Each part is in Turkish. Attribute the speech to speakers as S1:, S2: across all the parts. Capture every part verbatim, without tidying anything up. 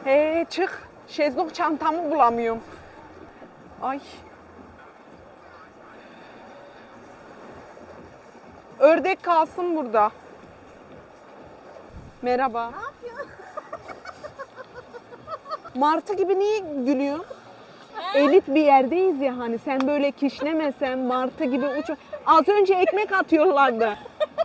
S1: He çık. Şezlong çantamı bulamıyorum. Ay. Ördek kalsın burada. Merhaba.
S2: Ne yapıyorsun?
S1: Martı gibi niye gülüyorsun? Elit bir yerdeyiz ya hani sen böyle kişnemesen martı gibi uç. Az önce ekmek atıyorlardı.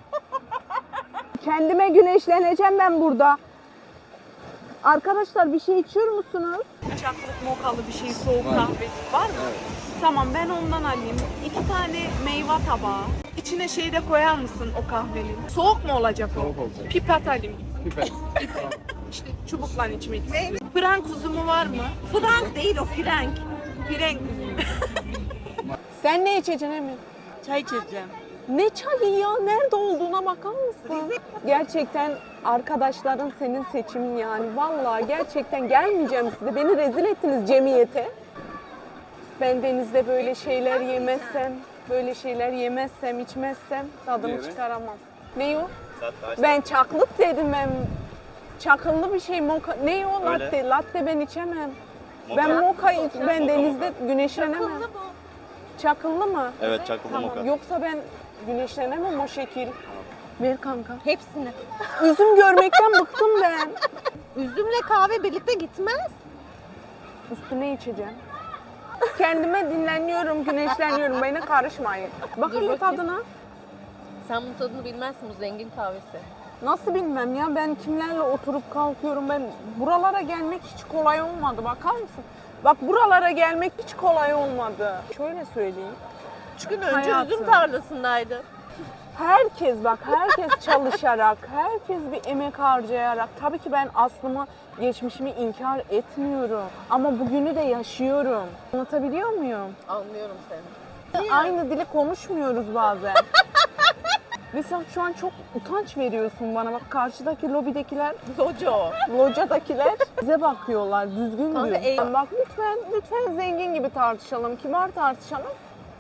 S1: Kendime güneşleneceğim ben burada. Arkadaşlar bir şey içiyor musunuz? Çaklık mokalı bir şey soğuk kahve var mı? Evet. Tamam ben ondan alayım. İki tane meyve tabağı. İçine şey de koyar mısın o kahvenin? Soğuk mu olacak o?
S3: Soğuk olacak.
S1: Pipet alayım.
S3: Pipet.
S1: İşte çubukla içmek istiyorum. Frank uzumu var mı? Frank değil o Frank. Frank uzumu. Sen ne içeceksin Emin?
S2: Çay içeceğim.
S1: Ne çayı ya? Nerede olduğuna bakar mısın? Gerçekten arkadaşların senin seçimin yani. Vallahi gerçekten gelmeyeceğim size. Beni rezil ettiniz cemiyete. Ben denizde böyle şeyler yemezsem, böyle şeyler yemezsem, içmezsem tadını
S3: Niye be?
S1: çıkaramam. Ne o? Ben çaklık dedim ben. Çakıllı bir şey moka. Ne o
S4: Öyle.
S1: latte? Latte ben içemem. Ben moka iç, ben
S4: Moka,
S1: denizde güneşlenemem.
S2: Akıllı bu.
S1: Çakıllı mı?
S4: Evet, çakıllı
S1: Tamam.
S4: moka.
S1: Yoksa ben güneşlenemem o şekil. Ver kanka.
S2: Hepsini.
S1: Üzüm görmekten bıktım ben.
S2: Üzümle kahve birlikte gitmez.
S1: Üstüne içeceğim. Kendime dinleniyorum, güneşleniyorum. Bana karışmayın. Bakın bir
S2: bakayım.
S1: tadına.
S2: Sen bunun tadını bilmezsin, bu zengin kahvesi.
S1: Nasıl bilmem ya, ben kimlerle oturup kalkıyorum. Ben buralara gelmek hiç kolay olmadı. Bakar mısın? Bak buralara gelmek hiç kolay olmadı. Şöyle söyleyeyim.
S2: Üç gün önce
S1: Hayatım.
S2: üzüm tarlasındaydı.
S1: Herkes bak, herkes çalışarak, herkes bir emek harcayarak. Tabii ki ben aslımı, geçmişimi inkar etmiyorum. Ama bugünü de yaşıyorum. Anlatabiliyor muyum?
S2: Anlıyorum seni.
S1: Aynı dili konuşmuyoruz bazen. Ve sen şu an çok utanç veriyorsun bana. Bak karşıdaki lobidekiler,
S2: Loco.
S1: locadakiler bize bakıyorlar. Düzgün
S2: Kanka,
S1: diyor.
S2: ey-
S1: Bak lütfen, lütfen zengin gibi tartışalım. Kibar tartışalım.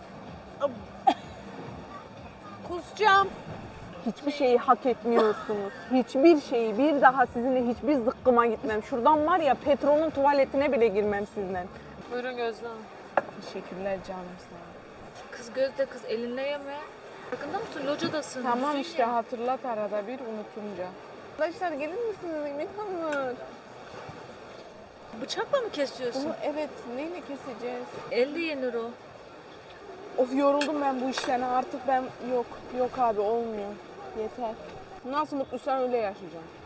S2: Kusacağım.
S1: Hiçbir şeyi hak etmiyorsunuz. Hiçbir şeyi. Bir daha sizinle hiçbir zıkkıma gitmem. Şuradan var ya Petrol'ün tuvaletine bile girmem sizinle.
S5: Buyurun Gözde Hanım.
S1: Teşekkürler canım sana.
S5: Kız Gözde kız elinle yeme. Farkında mısın? Locadasın.
S1: Tamam
S5: Düzgün
S1: işte
S5: ye.
S1: hatırlat arada bir unutunca. Arkadaşlar gelir misiniz Emin Hanım?
S5: Bıçakla mı kesiyorsun?
S1: Bunu evet neyle keseceğiz?
S5: Elle yenir o.
S1: Of yoruldum ben bu işten artık ben yok yok abi olmuyor. Yeter. Nasıl mutluysan öyle yaşayacağım.